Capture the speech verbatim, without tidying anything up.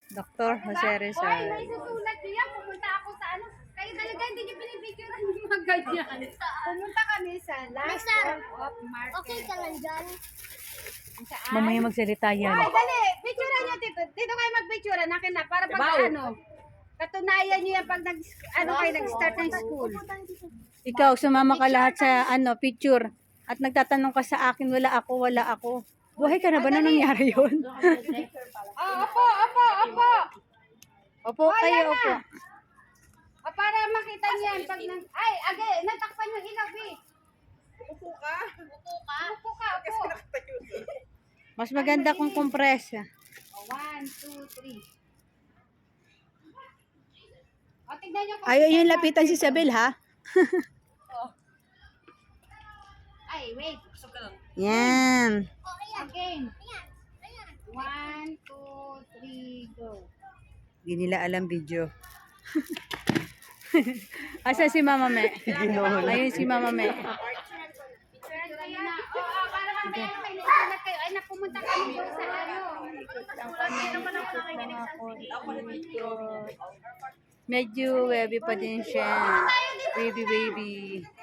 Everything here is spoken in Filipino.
Doctor Jose Hoy, Rizal. may susulat niyo yan. Pumunta ako sa ano. Kayo talaga hindi niyo pinipicturean yung mga ganyan. Pumunta kami sa last one of market. Okay ka lang dyan. Saan? Mamaya magsalita yan. Ay, dali. Picturean niyo dito. Dito kayo magpicturean. Akin na. Para pag ano. Katunayan niyo yan pag nag, ano kayo nag-start ng school. Ikaw, sumama ka lahat sa ano picture. At nagtatanong ka sa akin, wala ako, wala ako. Buhay ka na ba na nangyari yun? Oh, opo, opo, opo. Opo kayo, opo. Ah, para makita niyo yan. Pag nang, ay, agay, natakpan yung ilaw, eh. Upo ka. Upo ka. Upo ka, upo. Mas maganda kung compress. Oh, one, two, three. O, tignan niyo kung... Ayaw yung lapitan si Isabel, ha? Ay, wait. Yan. Again. One, two, three, go. Hindi nila alam video. Asa si Mama Me? Ayun si Mama Me. Picture kayo na. Oo, oh, para mamaya na kayo nasulat kayo. Ay, napumunta kami doon sa ano. Medyo wavy pa din siya. Wavy, wavy.